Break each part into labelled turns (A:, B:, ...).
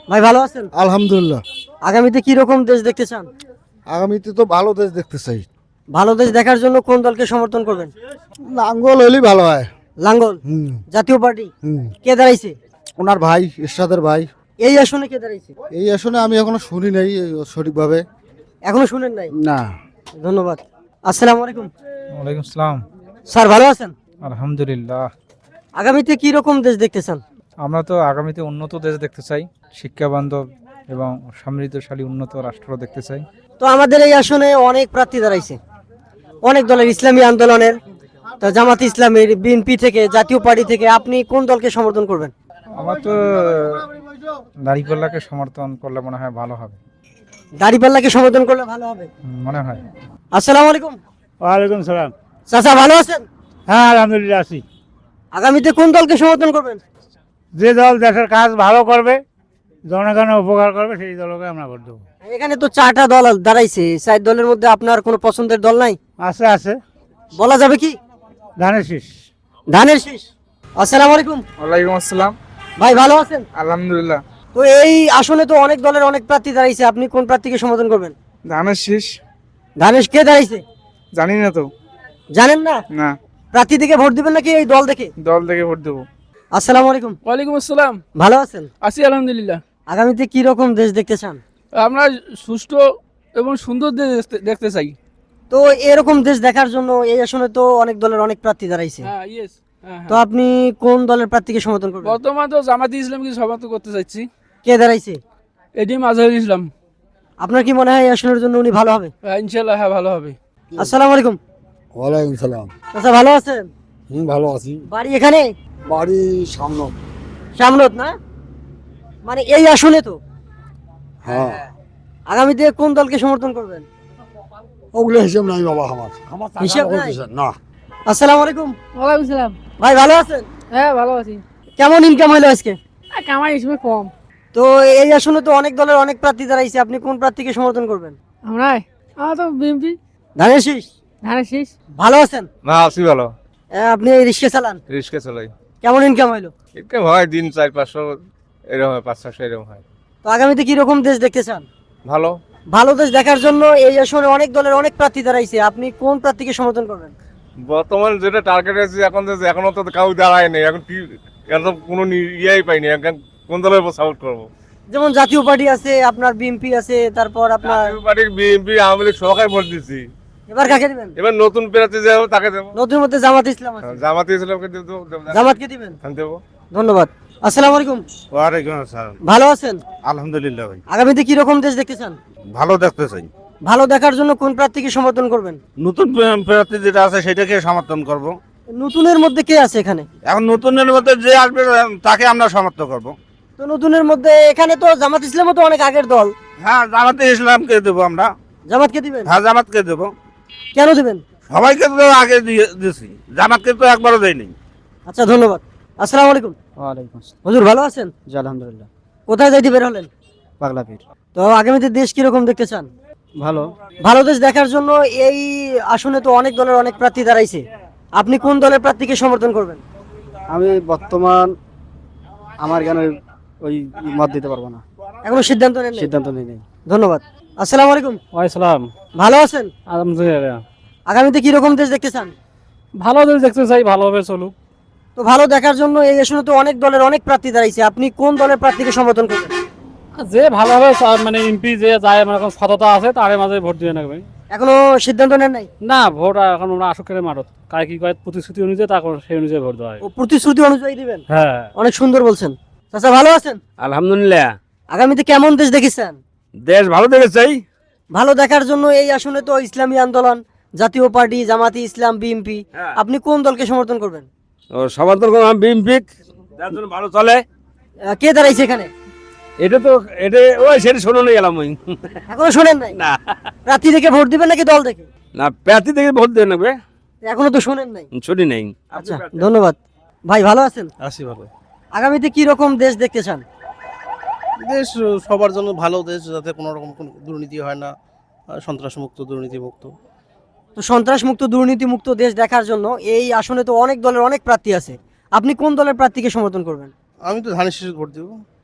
A: ভাই ভালো আছেন?
B: আলহামদুলিল্লাহ।
A: আগামীতে কি রকম দেশ দেখতে চান?
B: আগামীতে তো ভালো দেশ দেখতে চাই।
A: ভালো দেশ দেখার জন্য কোন দলকে সমর্থন করবেন?
B: লাঙ্গল হলেই ভালো হয়।
A: লাঙ্গল
B: হুম
A: জাতীয় পার্টি
B: হুম
A: কে দাঁড়াইছে?
B: ওনার ভাই এরশাদের ভাই।
A: এই আসনে কে দাঁড়াইছে?
B: এই আসনে আমি এখনো শুনি নাই সঠিকভাবে।
A: এখনো শুনেন নাই?
B: না।
A: ধন্যবাদ। আসসালামু আলাইকুম।
C: ওয়ালাইকুম আসসালাম।
A: স্যার ভালো আছেন?
C: আলহামদুলিল্লাহ।
A: আগামীতে কি রকম দেশ দেখতে চান?
C: আমরা তো আগামীতে উন্নত দেশ দেখতে চাই, শিক্ষা বান্ধব এবং সমৃদ্ধশালী উন্নত রাষ্ট্র দেখতে চাই।
A: তো আমাদের এই আসনে অনেক প্রার্থী দাঁড়াইছে, অনেক দলের, ইসলামী আন্দোলনের, তো জামাত ইসলামীর, বিএনপি থেকে, জাতীয় পার্টি থেকে। আপনি কোন দলকে সমর্থন করবেন?
C: আমার তো দাঁড়িপাল্লাকে সমর্থন করলে মনে হয় ভালো হবে।
A: দাড়িপাল্লাকে সমর্থন করলে ভালো হবে
C: মনে হয়।
A: আসসালামু আলাইকুম।
D: ওয়ালাইকুম সালাম।
A: চাচা ভালো আছেন?
D: হ্যাঁ আলহামদুলিল্লাহ আছি।
A: আগামীতে কোন দলকে সমর্থন করবেন?
D: যে দল দেশের কাজ ভালো করবে, জনগণের উপকার করবে, সেই দলকে আমরা ভোট দেবো।
A: এখানে তো 4টা দল দাঁড়াইছে, 4 দলের মধ্যে আপনার কোনো পছন্দের দল নাই?
D: আছে আছে,
A: বলা যাবে কি?
D: ধানের শীষ।
A: ধানের শীষ। আসসালামু আলাইকুম।
C: ওয়ালাইকুম আসসালাম।
A: ভাই ভালো আছেন?
C: আলহামদুলিল্লাহ।
A: তো এই আসনে তো অনেক দলের অনেক প্রার্থী দাঁড়াইছে, আপনি কোন প্রার্থীকে সমর্থন করবেন?
C: ধানের শীষ।
A: ধানের কে দাঁড়াইছে?
C: জানি না তো।
A: জানেন না?
C: না,
A: প্রার্থী দেখে ভোট দিবেন নাকি এই দল দেখে?
C: দল থেকে ভোট দেবো।
A: আসসালামু আলাইকুম।
E: ওয়ালাইকুম আসসালাম।
A: ভালো আছেন?
E: আছি আলহামদুলিল্লাহ।
A: আগামীতে কি রকম দেশ দেখতে চান?
E: আমরা সুষ্ঠু এবং সুন্দর দেশ দেখতে চাই।
A: তো এরকম দেশ দেখার জন্য এই আসনে তো অনেক দলের অনেক প্রার্থী দাঁড়াইছে,
E: হ্যাঁ ইয়েস।
A: তো আপনি কোন দলের প্রার্থীকে সমর্থন করবেন?
E: বর্তমান তো জামাতি ইসলামকে সমর্থন করতে চাইছি।
A: কে দাঁড়াইছে?
E: এটিএম আজহারুল ইসলাম।
A: আপনার কি মনে হয় এই আসনের জন্য উনি ভালো হবে?
E: ইনশাল্লাহ হ্যাঁ ভালো হবে।
A: আসসালামু আলাইকুম।
B: ওয়ালাইকুম সালাম।
A: আচ্ছা ভালো আছেন?
B: ভালো আছি।
A: বাড়ি এখানে?
B: বাড়ি সামনে।
A: সামনত না, মানে এই আসনে তো।
B: হ্যাঁ।
A: আগামীতে কোন দলকে সমর্থন করবেন?
B: ওগুলো হিসেব নাই বাবা আমার।
A: হিসাব নাই?
B: না।
A: আসসালামু আলাইকুম।
F: ওয়ালাইকুম সালাম।
A: ভাই ভালো আছেন?
F: হ্যাঁ ভালো আছি।
A: কেমন ইনকাম হলো আজকে?
F: কামাই হিসেবে কম।
A: তো এই আসনে তো অনেক দলের অনেক প্রার্থী দাঁড়াইছে, আপনি কোন প্রার্থীকে সমর্থন করবেন?
F: আমরা তো বিএমপি
A: ধানের শীষ।
F: ধানের শীষ।
A: ভালো আছেন?
C: না, আছি ভালো।
A: আপনি এই রিক্সা চালান,
C: রিস্কে চলাই।
A: কেমন ইনকাম হইলো?
C: এরকম হয় দিন 400-500, এরকম হয় 500-600 এরকম হয়।
A: তো আগামীতে কি রকম দেশ দেখতে চান?
C: ভালো।
A: ভালো দেশ দেখার জন্য এই আসনে অনেক দলের অনেক প্রার্থী দাঁড়াইছে, আপনি কোন প্রার্থীকে সমর্থন করবেন?
C: বর্তমান যেটা টার্গেট আছে এখন, এখনো তো কাউ দাঁড়ায় নেই। এখন কি, এখন তো কোনো ইয়েই পাইনি। এখন কোন দলের উপর সাপোর্ট করবো?
A: যেমন জাতীয় পার্টি আছে, আপনার বিএনপি আছে, তারপর আপনার
C: বিএনপি, আওয়ামী লীগ সবাই ভোট দিচ্ছি।
A: এবার কাকে দিবেন?
C: এবার নতুন প্রার্থী যাবো তাকে দেবো।
A: নতুন মধ্যে জামাত ইসলাম আছে,
C: জামাতে ইসলামকে দেবো।
A: জামাতকে দিবেন?
C: দেবো।
A: ধন্যবাদ। আসসালামু আলাইকুম।
D: ওয়ালাইকুম আসসালাম।
A: ভালো আছেন?
D: আলহামদুলিল্লাহ ভাই।
A: আগামীতে কি রকম দেশ দেখতে চান?
D: ভালো দেখতে চাই।
A: ভালো দেখার জন্য কোন প্রার্থীকে সমর্থন করবেন?
D: নতুন প্রার্থী যেটা আছে সেটাকে সমর্থন করব।
A: নতুনের মধ্যে কে আছে এখানে?
D: এখন নতুনের মধ্যে যে আসবে তাকে আমরা সমর্থন করব।
A: তো নতুনের মধ্যে এখানে তো জামাত ইসলামও তো অনেক আগের দল,
D: হ্যাঁ জামাতে ইসলামকে দেবো আমরা।
A: জামাতকে দিবেন?
D: হ্যাঁ জামাতকে দেবো।
A: কেন দিবেন?
D: সবাইকে তো আগে দিয়েছি, জামাতকে তো একবারও দেয়নি।
A: আচ্ছা ধন্যবাদ। আসসালামু আলাইকুম।
E: ওয়ালাইকুম আসসালাম।
A: হুজুর ভালো আছেন?
E: জি আলহামদুলিল্লাহ।
A: কোথায় যাইতে বের হলেন?
E: পাগলাপীর।
A: তো আগামীতে দেশ কিরকম দেখতে চান?
E: ভালো।
A: ভালো দেশ দেখার জন্য এই আসনে তো অনেক দলের অনেক প্রার্থী দাঁড়াইছে, আপনি কোন দলের প্রার্থীকে সমর্থন করবেন?
E: আমি বর্তমান আমার জ্ঞান ওই মত দিতে পারবো না,
A: এখনো সিদ্ধান্ত নেন নাই?
E: সিদ্ধান্ত নিই নাই।
A: ধন্যবাদ। আসসালামু আলাইকুম।
E: ওয়ালাইকুম
A: ভালো আছেন?
E: আলহামদুলিল্লাহ।
A: আগামীতে কি রকম দেশ দেখতে চান?
E: ভালো দেশ দেখতে চাই, ভালোভাবে চলুক।
A: তো ভালো দেখার জন্য এই আসনে তো অনেক দলের অনেক প্রার্থী দাঁড়াইছে, আপনি কোন দলের প্রার্থীকে সমর্থন করবেন?
E: যে ভালোভাবে মানে এমপি যে যায়, আমার এখন সততা আছে, তার মাঝে ভোট দিয়ে নেবে।
A: এখনো সিদ্ধান্ত নেন নাই?
E: না, ভোট এখন আমরা আসকের মারত কায় কি কয় প্রতিশ্রুতি অনুযায়ী, তারপর সেই অনুযায়ী ভোট দেওয়া হয়।
A: ও প্রতিশ্রুতি অনুযায়ী দিবেন?
E: হ্যাঁ।
A: অনেক সুন্দর বলছেন। চাচা ভালো আছেন?
D: আলহামদুলিল্লাহ।
A: আগামীতে কেমন দেশ দেখেছেন?
D: দেশ ভালো দেখে চাই।
A: ভালো দেখার জন্য এই আসনে তো ইসলামী আন্দোলন, জাতীয় পার্টি, জামাতি ইসলাম, বিএনপি, আপনি কোন দলকে সমর্থন করবেন?
D: সমর্থন করলাম বিএনপি, যার জন্য ভালো চলে।
A: কে দাঁড়াইছে এখানে?
D: এটা তো এটা ওই সেটা শোনো নিয়ে গেলাম ওই।
A: এখনো শোনেন নাই?
D: না
A: প্রার্থী দেখে ভোট দিবেন নাকি দল দেখে?
D: না, প্রার্থী থেকে ভোট দিয়ে নেবে।
A: এখনো তো শোনেন নাই।
D: ছুটি নেই।
A: আচ্ছা ধন্যবাদ। ভাই ভালো আছেন?
G: আছি ভালো।
A: আগামীতে কি রকম দেশ দেখতে চান?
G: দেশ সবার জন্য ভালো দেশ, যাতে কোনো রকম কোনো দুর্নীতি হয় না, সন্ত্রাসমুক্ত, দুর্নীতিমুক্ত।
A: তো সন্ত্রাস মুক্ত, দুর্নীতি মুক্ত দেশ দেখার জন্য এই আসনে তো অনেক দলের অনেক প্রার্থী আছে, আপনি কোন দলের প্রার্থীকে সমর্থন করবেন?
G: আমি তো ধানের শীষে ভোট দেবো।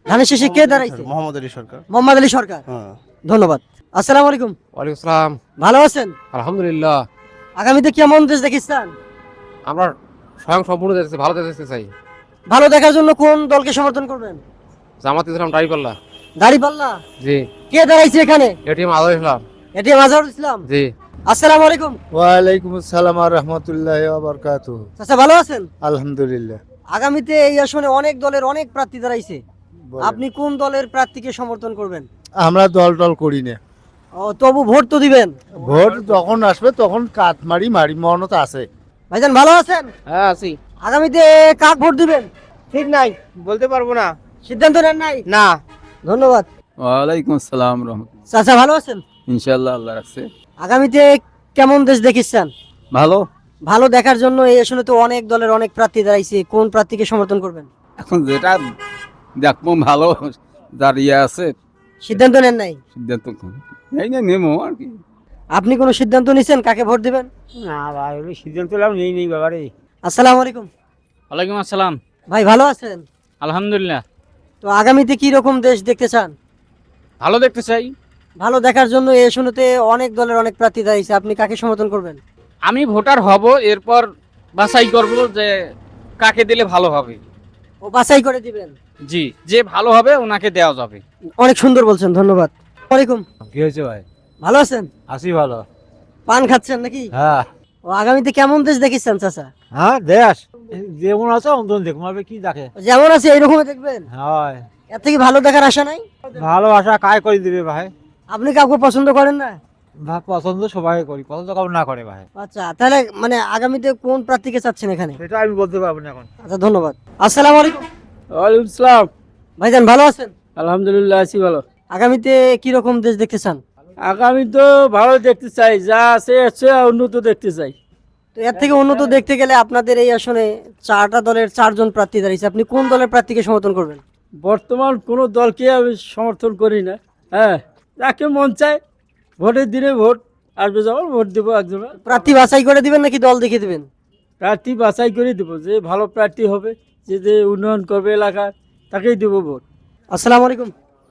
A: ধানের শেষে কে দাঁড়াইছে?
G: মোহাম্মদ আলী সরকার।
A: মোহাম্মদ আলী সরকার।
G: হ্যাঁ।
A: ধন্যবাদ। আসসালামু আলাইকুম।
H: ওয়ালাইকুম আসসালাম।
A: ভালো আছেন?
H: আলহামদুলিল্লাহ।
A: আগামীতে কেমন দেশ দেখিস্তান?
H: আমরা স্বয়ং সম্পূর্ণ দেখতে ভালো দেখতে চাই।
A: ভালো দেখার জন্য কোন দলকে সমর্থন করবেন?
H: জামাত ইসলাম দাঁড়িপাল্লা।
A: দাড়িপাল্লা।
H: জি।
A: কে দাঁড়াইছে এখানে?
H: এটিএম আজহার ইসলাম।
A: এটিএম আজহারুল ইসলাম।
H: জি।
A: আসসালামু আলাইকুম।
B: ওয়ালাইকুম আসসালাম আর রহমতুল্লাহ বারকাতুহ।
A: চাচা ভালো আছেন?
B: আলহামদুলিল্লাহ।
A: আগামীতে এই আসনে অনেক দলের অনেক প্রার্থী দাঁড়াইছে, আপনি কোন দলের প্রার্থীকে সমর্থন করবেন?
B: আমরা দল টল করি না,
A: ও তবু ভোট তো দিবেন।
B: ভোট যখন আসবে তখন কাট মারি মনত আছে।
A: ভাইজান ভালো আছেন?
H: হ্যাঁ আছি।
A: আগামীতে কাক ভোট দিবেন? ঠিক নাই,
H: বলতে পারবো না।
A: সিদ্ধান্ত নেন নাই?
H: না।
A: ধন্যবাদ।
I: ওয়ালাইকুম আসসালাম রহমতুল্লাহ।
A: চাচা ভালো আছেন?
I: ইনশাআল্লাহ আল্লাহ রাখছে।
A: আগামীতে কেমন দেশ দেখিচ্ছেন?
I: ভালো।
A: ভালো দেখার জন্য এই আসনে তো অনেক দলের অনেক প্রার্থী দাঁড়াইছে, কোন প্রার্থীকে সমর্থন করবেন?
I: এখন যেটা দেখবো ভালো যার ইয়ে আছে
A: সিদ্ধান্ত নেন নাই?
I: সিদ্ধান্ত এই না নেমো আর কি।
A: আপনি কোনো সিদ্ধান্ত নিছেন কাকে ভোট দিবেন?
D: না ভাই, সিদ্ধান্ত নেই বাবারে।
A: আসসালামু আলাইকুম।
J: ওয়ালাইকুম আসসালাম।
A: ভাই ভালো আছেন?
J: আলহামদুলিল্লাহ।
A: তো আগামীতে কি রকম দেশ দেখতে চান?
J: ভালো দেখতে চাই।
A: ভালো দেখার জন্য এই আসনেতে অনেক দলের অনেক প্রার্থী দাঁড়িয়েছে, আপনি কাকে সমর্থন করবেন?
J: আমি ভোটার হব, এরপর বাছাই করব যে কাকে দিলে ভালো হবে।
A: ও বাছাই করে দিবেন?
J: জি, যে ভালো হবে ওনাকে দেওয়া যাবে।
A: অনেক সুন্দর বলছেন, ধন্যবাদ। ওয়ালাইকুম।
D: কি হয়েছে ভাই?
A: ভালো আছেন?
D: আসি ভালো।
A: পান খাচ্ছেন নাকি?
D: হ্যাঁ।
A: ও আগামীতে কেমন দেশ দেখিচ্ছেন চাচা?
D: হ্যাঁ দেশ যেমন আছে অন্তত দেখুন কি দেখে।
A: যেমন আছে এইরকমই দেখবেন?
D: হয়।
A: এর থেকে ভালো দেখার আশা নাই?
D: ভালোবাসা কায় করে দিবে ভাই?
A: আপনি কাউকে পছন্দ করেন না?
D: পছন্দ সবাই করি, পছন্দ কাউ না করে ভাই।
A: আচ্ছা, তাহলে মানে আগামীতে কোন প্রার্থীকে চাচ্ছেন এখানে?
D: সেটা আমি বলতে পারবো না এখন।
A: আচ্ছা, ধন্যবাদ। আসসালামু আলাইকুম।
J: ওয়ালাইকুম আসসালাম।
A: ভাইজান ভালো আছেন?
J: আলহামদুলিল্লাহ আছি ভালো।
A: আগামীতে কি রকম দেশ দেখতে চান?
J: আগামী তো ভালো দেখতে চাই, যা আছে উন্নত দেখতে চাই।
A: তো এর থেকে উন্নত দেখতে গেলে আপনাদের এই আসনে 4টা দলের 4জন প্রার্থী দাঁড়িয়েছে, আপনি কোন দলের প্রার্থীকে সমর্থন করবেন?
J: বর্তমান কোনো দলকে আমি সমর্থন করি না। হ্যাঁ, যাকে মন চায় ভোটের দিনে ভোট আসবে, যখন ভোট দেবো একজন।
A: প্রার্থী বাছাই করে দিবেন নাকি দল দেখে দিবেন?
J: প্রার্থী বাছাই করে দেবো, যে ভালো প্রার্থী হবে, যে উন্নয়ন করবে এলাকার, তাকেই দেবো ভোট।
A: আসসালামু আলাইকুম।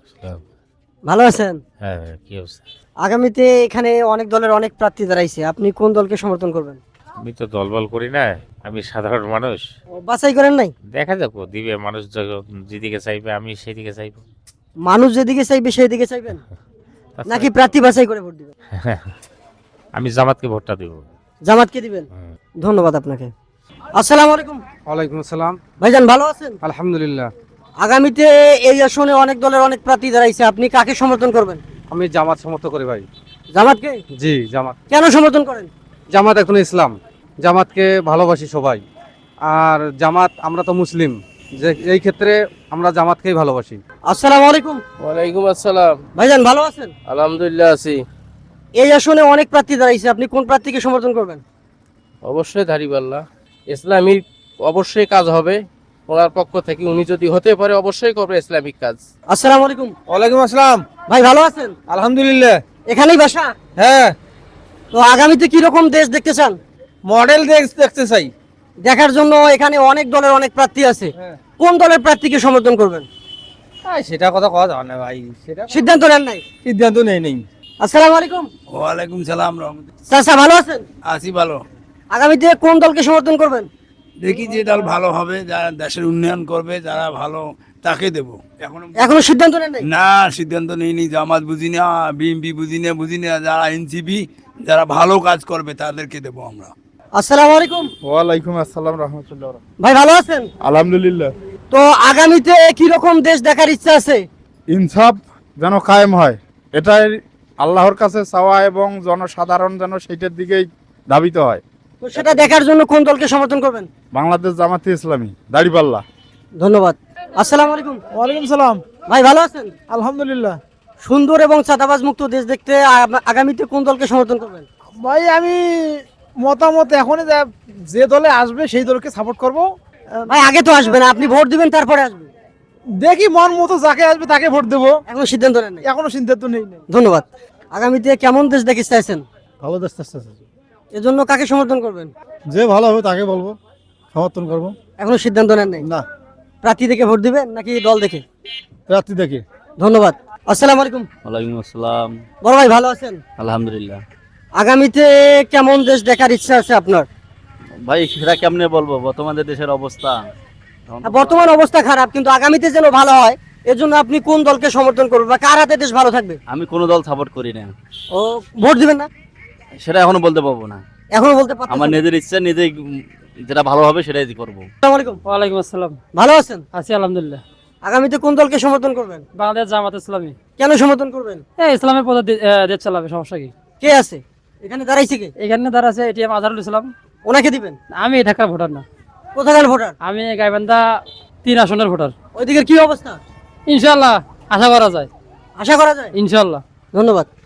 A: ভালো আছেন?
J: হ্যাঁ, কি অবস্থা?
A: আগামীতে এখানে অনেক দলের অনেক প্রার্থী দাঁড়াইছে, আপনি কোন দলকে সমর্থন করবেন?
K: আমি তো দলবল করি না, আমি সাধারণ মানুষ।
A: ও, বাছাই করেন নাই?
K: দেখা যাক দিবে মানুষ যেদিকে চাইবে আমি সেদিকে চাইবো।
A: মানুষ যেদিকে চাইবে সেই দিকে চাইবেন নাকি প্রার্থী বাছাই করে ভোট দিবেন?
K: আমি জামাতকে ভোটটা দেব।
A: জামাতকে দিবেন? ধন্যবাদ আপনাকে। আসসালামু আলাইকুম।
H: ওয়ালাইকুম আসসালাম।
A: ভাইজান ভালো আছেন?
H: আলহামদুলিল্লাহ।
A: আগামীতে এই আসনে অনেক দলের অনেক প্রার্থী দাঁড়াইছে, আপনি কাকে সমর্থন করবেন?
H: আমি জামাত সমর্থন করি ভাই।
A: জামাতকে?
H: জি জামাত।
A: কেন সমর্থন করেন?
H: জামাত এখন ইসলাম, জামাতকে ভালোবাসি সবাই। আর জামাত, আমরা তো মুসলিম, যে এই ক্ষেত্রে আমরা জামাতকেই ভালোবাসি।
A: আসসালামু আলাইকুম।
J: ওয়ালাইকুম আসসালাম।
A: ভাইজান ভালো আছেন?
J: আলহামদুলিল্লাহ আছি।
A: এই আসনে অনেক প্রার্থী দাঁড়াইছে, আপনি কোন প্রার্থীকে সমর্থন করবেন?
J: অবশ্যই দাঁড়িপাল্লা। ইসলামিক অবশ্যই কাজ হবে ওনার পক্ষ থেকে, উনি যদি হতে পারে অবশ্যই করবে ইসলামিক কাজ।
A: আসসালামু আলাইকুম।
H: ওয়ালাইকুম আসসালাম।
A: ভাই ভালো আছেন?
H: আলহামদুলিল্লাহ।
A: এখানেই বাসা?
H: হ্যাঁ।
A: তো আগামীতে কি রকম দেশ দেখতে চান?
H: মডেল দেখতে চাই।
A: দেখার জন্য এখানে অনেক দলের অনেক প্রার্থী আছে, কোন দলের প্রার্থীকে সমর্থন করবেন?
H: সেটা কথা কথা যাবে না ভাই, সেটা
A: সিদ্ধান্ত নেন নাই?
H: সিদ্ধান্ত নেই।
A: আসসালামু আলাইকুম।
B: ওয়ালাইকুম সালাম রহমতুল্লাহ।
A: চাচা ভালো আছেন?
B: আছি ভালো।
A: আগামীতে কোন দলকে সমর্থন করবেন?
B: দেখি যে দল ভালো হবে, যারা দেশের উন্নয়ন করবে, যারা ভালো তাকে দেব।
A: এখনো সিদ্ধান্ত নেন নাই?
B: না, সিদ্ধান্ত নেইনি। জামাত বুঝি না, বিএনপি বুঝি না, যারা এনসিপি যারা ভালো কাজ করবে তাদেরকে দেব আমরা।
A: আসসালামু আলাইকুম।
C: ওয়ালাইকুম আসসালাম রহমতুল্লাহ।
A: ভাই ভালো আছেন?
C: আলহামদুলিল্লাহ।
A: তো আগামীতে কি রকম দেশ দেখার ইচ্ছা আছে?
C: ইনসাফ যেন কায়েম হয়, এটাই আল্লাহর কাছে চাওয়া, এবং জনসাধারণ যেন সেইটার দিকেই ধাবিত হয়।
A: তো সেটা দেখার জন্য কোন দলকে সমর্থন করবেন?
C: বাংলাদেশ জামাতে ইসলামী দাড়িপাল্লা।
A: ধন্যবাদ। আসসালামু আলাইকুম।
D: ওয়ালাইকুম সালাম।
A: ভাই ভালো আছেন?
D: আলহামদুলিল্লাহ।
A: সুন্দর এবং চাঁদাবাজ মুক্ত দেশ দেখতে আগামীতে কোন দলকে সমর্থন করবেন?
D: ভাই আমি মতামত এখনই যে দলে আসবে সেই দলকে সাপোর্ট করব।
A: ভাই আগে তো আসবে না, আপনি ভোট দিবেন তারপরে আসবে।
D: দেখি মন মতো যাকে আসবে তাকে ভোট দেবো,
A: এখনো সিদ্ধান্ত নেন নাই?
D: এখনো সিদ্ধান্ত নেই।
A: ধন্যবাদ। আগামীতে কেমন দেশ দেখতে চাইছেন?
D: ভালো দেশ,
A: এজন্য কাকে সমর্থন করবেন?
D: যে ভালো হবে তাকে বলবো, সমর্থন করবো।
A: এখনো সিদ্ধান্ত নেন নাই?
D: না।
A: প্রার্থী দেখে ভোট দিবেন নাকি দল দেখে?
D: রাত্রি দেখে।
A: ধন্যবাদ। আসসালামু আলাইকুম।
I: ওয়ালাইকুম আসসালাম।
A: বড় ভাই ভালো আছেন?
I: আলহামদুলিল্লাহ।
A: আগামীতে কেমন দেশ দেখার ইচ্ছা আছে আপনার?
I: ভাই সেটা কেমনে বলবো, বর্তমানে দেশের অবস্থা
A: বর্তমান অবস্থা খারাপ, কিন্তু আগামীতে যেন ভালো হয় এর জন্য আপনি কোন দলকে সমর্থন করবেন বা কার হাতে দেশ ভালো থাকবে?
I: আমি কোনো দল সাপোর্ট করি না,
A: ও ভোট দিবেন না?
I: সেটা এখনো বলতে পারবো না।
A: এখনো বলতে পারছেন
I: আমার
A: না?
I: নিজের ইচ্ছা নিজেই যেটা ভালো হবে সেটাই করবো।
A: আসসালামু আলাইকুম।
F: ওয়ালাইকুম আসসালাম।
A: ভালো আছেন?
F: আছি আলহামদুলিল্লাহ।
A: আগামীতে কোন দলকে সমর্থন করবেন?
F: বাংলাদেশ জামাত ইসলামী।
A: কেন সমর্থন করবেন?
F: ইসলামের পথে দেশ চালাবে, সমস্যা কি?
A: কে আছে এখানে দাঁড়াইছে? কে
F: এখানে দ্বারা আছে এটিএম আজহারুল ইসলাম।
A: ওনাকে দিবেন?
F: আমি ঢাকার ভোটার না,
A: কোথাকার ভোটার?
F: আমি গাইবান্ধা 3 আসনের ভোটার।
A: ওইদিকের কি অবস্থা?
F: ইনশাল্লাহ আশা করা যায়,
A: আশা করা যায়।
F: ইনশাল্লাহ।
A: ধন্যবাদ।